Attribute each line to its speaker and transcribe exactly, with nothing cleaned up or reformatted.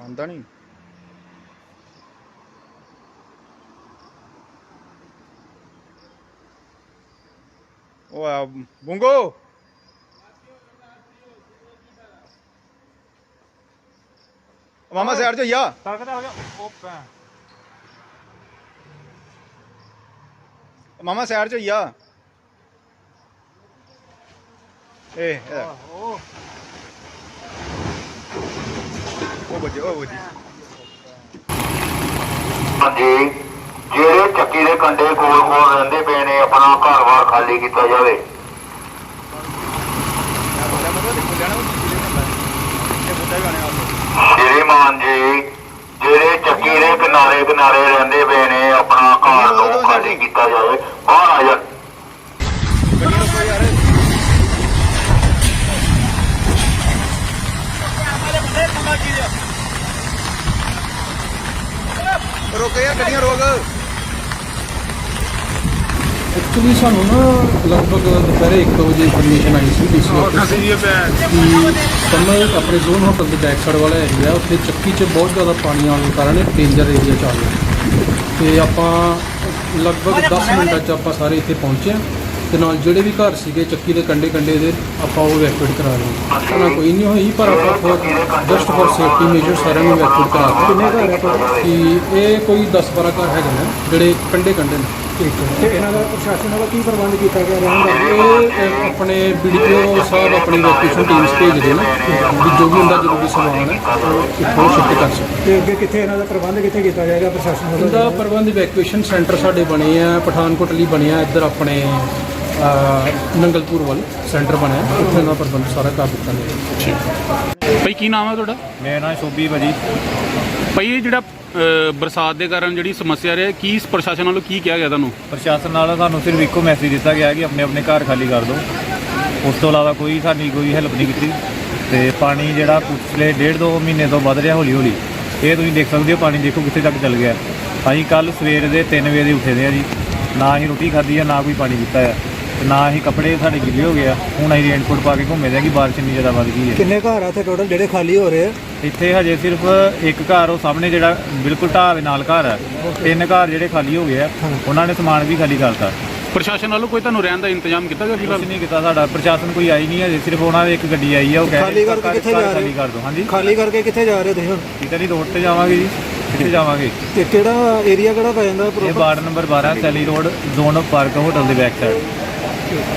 Speaker 1: ਆਉਂਦਾ ਨਹੀਂ। ਉਹ ਆ ਬੁੰਗੋ ਮਾਮਾ ਸਾਈਡ ਚ ਜਾ
Speaker 2: ਤੱਕਦਾ ਹੋ ਗਿਆ ਉਹ ਪੈ
Speaker 1: ਮਾਮਾ ਸਾਈਡ ਚ ਜਾ ਏ
Speaker 2: ਉਹ
Speaker 1: ਉਹ ਬੱਜੇ ਉਹ ਬੱਜੇ
Speaker 3: ਹਾਂਜੀ ਜਿਹੜੇ ਚੱਕੀ ਦੇ ਕੰਡੇ ਕੋਲ ਕੋਲ ਰਹਿੰਦੇ ਪਏ ਨੇ ਆਪਣਾ ਘਰ-ਬਾਰ ਖਾਲੀ ਕੀਤਾ ਜਾਵੇ। ਸ਼੍ਰੀਮਾਨ ਜੀ ਜਿਹੜੇ ਚੱਕੀ ਦੇ ਕਿਨਾਰੇ ਕਿਨਾਰੇ ਰਹਿੰਦੇ ਪਏ ਨੇ ਆਪਣਾ ਘਰ ਨੂੰ ਖਾਲੀ ਕੀਤਾ ਜਾਵੇ। ਬਾਹਰ ਆ ਜਾ
Speaker 1: ਰੋਕ ਯਾਰ ਗੱਡੀਆਂ ਰੋਕ।
Speaker 4: ਐਕਚੁਅਲੀ ਸਾਨੂੰ ਨਾ ਲਗਭਗ ਦੁਪਹਿਰੇ ਇੱਕ ਵਜੇ ਇਨਫੋਰਮੇਸ਼ਨ ਆਈ ਸੀ ਡੀਸੀ ਆਫਿਸ ਕਿ ਕਮਲ ਆਪਣੇ ਜ਼ੋਨ ਹੋਟਲ ਦੇ ਬੈਕ ਸਾਈਡ ਵਾਲਾ ਏਰੀਆ ਉੱਥੇ ਚੱਕੀ 'ਚ ਬਹੁਤ ਜ਼ਿਆਦਾ ਪਾਣੀ ਆਉਣ ਕਾਰਨ ਡੇਂਜਰ ਏਰੀਆ 'ਚ ਆ ਗਿਆ ਅਤੇ ਆਪਾਂ ਲਗਭਗ ਦਸ ਮਿੰਟਾਂ 'ਚ ਆਪਾਂ ਸਾਰੇ ਇੱਥੇ ਪਹੁੰਚੇ ਹਾਂ ਅਤੇ ਨਾਲ ਜਿਹੜੇ ਵੀ ਘਰ ਸੀਗੇ ਚੱਕੀ ਦੇ ਕੰਢੇ ਕੰਢੇ ਦੇ ਆਪਾਂ ਉਹ ਇਵੈਕੂਏਟ ਕਰਾ ਰਹੇ ਹਾਂ। ਉਹਨਾਂ ਕੋਈ ਨਹੀਂ ਹੋਈ ਪਰ ਆਪਾਂ for just for safety measure ਸਾਰਿਆਂ ਨੂੰ ਇਵੈਕੂਏਟ ਕਰਾ ਦਿੱਤਾ। ਕਿੰਨੇ ਘਰ ਹੈ ਕਿ ਇਹ ਕੋਈ ਦਸ ਬਾਰਾਂ ਘਰ ਹੈਗੇ ਨੇ ਜਿਹੜੇ ਕੰਢੇ ਕੰਢੇ ਨੇ।
Speaker 5: ਠੀਕ ਹੈ ਤੇ ਇਹਨਾਂ ਦਾ ਪ੍ਰਸ਼ਾਸਨ ਵੱਲੋਂ ਕੀ ਪ੍ਰਬੰਧ ਕੀਤਾ ਗਿਆ ਰਹਿਣ ਦਾ?
Speaker 4: ਇਹ ਆਪਣੇ ਬੀ ਡੀ ਪੀ ਓ ਸਾਹਿਬ ਆਪਣੀ ਵੈਕੇਸ਼ਨ ਟੀਮਸ ਭੇਜਦੇ ਨੇ ਵੀ ਜੋ ਵੀ ਹੁੰਦਾ ਜ਼ਰੂਰੀ ਸਮਾਨ ਹੈ ਉਹ ਇੱਥੋਂ ਸ਼ਿਫਟ ਕਰ ਸਕਦੇ।
Speaker 5: ਤੇ ਅੱਗੇ ਕਿੱਥੇ ਇਹਨਾਂ ਦਾ ਪ੍ਰਬੰਧ ਕਿੱਥੇ ਕੀਤਾ ਜਾਏਗਾ ਪ੍ਰਸ਼ਾਸਨ ਵੱਲੋਂ?
Speaker 4: ਇਹਦਾ ਪ੍ਰਬੰਧ ਇਵੈਕੂਏਸ਼ਨ ਸੈਂਟਰ ਸਾਡੇ ਬਣੇ ਆ ਪਠਾਨਕੋਟ ਲਈ ਬਣਿਆ, ਇੱਧਰ ਆਪਣੇ ਨੰਗਲਪੁਰ ਵੱਲ ਸੈਂਟਰ ਬਣਿਆ, ਉੱਥੇ ਦਾ ਪ੍ਰਬੰਧ ਸਾਰਾ ਕਰ ਦਿੱਤਾ ਗਿਆ।
Speaker 6: ਭਾਈ ਕੀ ਨਾਮ ਹੈ ਤੁਹਾਡਾ?
Speaker 2: ਮੇਰਾ ਨਾਮ ਸ਼ੋਭੀ ਭਾਜੀ।
Speaker 6: ਭਾਈ ਇਹ ਜਿਹੜਾ ਅ, ਬਰਸਾਤ ਦੇ ਕਾਰਨ ਜਿਹੜੀ ਸਮੱਸਿਆ ਰਹੀ ਕੀ ਪ੍ਰਸ਼ਾਸਨ ਵੱਲੋਂ ਕੀ ਕਿਹਾ ਗਿਆ ਤੁਹਾਨੂੰ?
Speaker 2: ਪ੍ਰਸ਼ਾਸਨ ਨਾਲ ਸਾਨੂੰ ਸਿਰਫ ਇੱਕੋ ਮੈਸੇਜ ਦਿੱਤਾ ਗਿਆ ਕਿ ਆਪਣੇ ਆਪਣੇ ਘਰ ਖਾਲੀ ਕਰ ਦਿਓ। ਉਸ ਤੋਂ ਇਲਾਵਾ ਕੋਈ ਸਾਡੀ ਕੋਈ ਹੈਲਪ ਨਹੀਂ ਕੀਤੀ। ਤੇ ਪਾਣੀ ਜਿਹੜਾ ਪਿਛਲੇ ਡੇਢ ਦੋ ਮਹੀਨੇ ਤੋਂ ਵੱਧ ਰਿਹਾ ਹੌਲੀ ਹੌਲੀ, ਇਹ ਤੁਸੀਂ ਦੇਖ ਸਕਦੇ ਹੋ। ਪਾਣੀ ਦੇਖੋ ਕਿੱਥੇ ਤੱਕ ਚੱਲ ਗਿਆ। ਅਸੀਂ ਕੱਲ੍ਹ ਸਵੇਰ ਦੇ ਤਿੰਨ ਵਜੇ ਦੇ ਉੱਠੇ ਦੇ ਆ ਜੀ, ਨਾ ਅਸੀਂ ਰੋਟੀ ਖਾਧੀ ਆ, ਨਾ ਕੋਈ ਪਾਣੀ ਪੀਤਾ ਆ, ਤੇ ਨਾ ਅਸੀਂ ਕੱਪੜੇ ਸਾਡੇ ਗਿੱਲੇ ਹੋ ਗਏ ਆ। ਹੁਣ ਅਸੀਂ ਰੇਨਕੋਟ ਪਾ ਕੇ ਘੁੰਮੇ ਦੇ ਆ ਕਿ ਬਾਰਿਸ਼ ਇੰਨੀ ਜ਼ਿਆਦਾ ਵੱਧ ਗਈ ਹੈ।
Speaker 5: ਕਿੰਨੇ ਘਰ ਆ ਇੱਥੇ ਟੋਟਲ ਜਿਹੜੇ ਖਾਲੀ ਹੋ ਰਹੇ ਆ?
Speaker 2: ਇੱਥੇ ਹਜੇ ਸਿਰਫ ਇੱਕ ਘਰ ਉਹ ਸਾਹਮਣੇ ਜਿਹੜਾ ਬਿਲਕੁਲ ਢਾਹ ਦੇ ਨਾਲ ਘਰ ਹੈ, ਤਿੰਨ ਘਰ ਜਿਹੜੇ ਖਾਲੀ ਹੋ ਗਏ ਆ, ਉਹਨਾਂ ਨੇ ਸਮਾਨ ਵੀ ਖਾਲੀ ਕਰਤਾ।
Speaker 6: ਪ੍ਰਸ਼ਾਸਨ ਵੱਲੋਂ ਕੋਈ ਤੁਹਾਨੂੰ ਰਹਿਣ ਦਾ ਇੰਤਜ਼ਾਮ ਕੀਤਾ ਗਿਆ ਫਿਲਹਾਲ?
Speaker 2: ਕੁਛ ਨਹੀਂ ਕੀਤਾ ਸਾਡਾ ਪ੍ਰਸ਼ਾਸਨ, ਕੋਈ ਆਈ ਨਹੀਂ ਹਜੇ। ਸਿਰਫ ਉਹਨਾਂ ਦੀ ਇੱਕ ਗੱਡੀ ਆਈ ਆ, ਉਹ
Speaker 5: ਖਾਲੀ ਕਰਕੇ ਕਿੱਥੇ ਜਾ ਰਹੇ?
Speaker 2: ਖਾਲੀ ਕਰ ਦਿਓ। ਹਾਂਜੀ
Speaker 5: ਖਾਲੀ ਕਰਕੇ ਕਿੱਥੇ ਜਾ ਰਹੇ ਤੁਸੀਂ ਹੁਣ?
Speaker 2: ਕਿਤੇ ਨਹੀਂ, ਰੋਡ ਤੇ ਜਾਵਾਂਗੇ ਜੀ। ਕਿੱਥੇ ਜਾਵਾਂਗੇ?
Speaker 5: ਤੇ ਕਿਹੜਾ ਏਰੀਆ ਕਿਹੜਾ ਪੈ ਜਾਂਦਾ?
Speaker 2: ਇਹ ਵਾਰਡ ਨੰਬਰ ਬਾਰਾਂ ਸੈਲੀ road, zone of park hotel ਦੇ ਬੈਕ ਸਾਈਡ।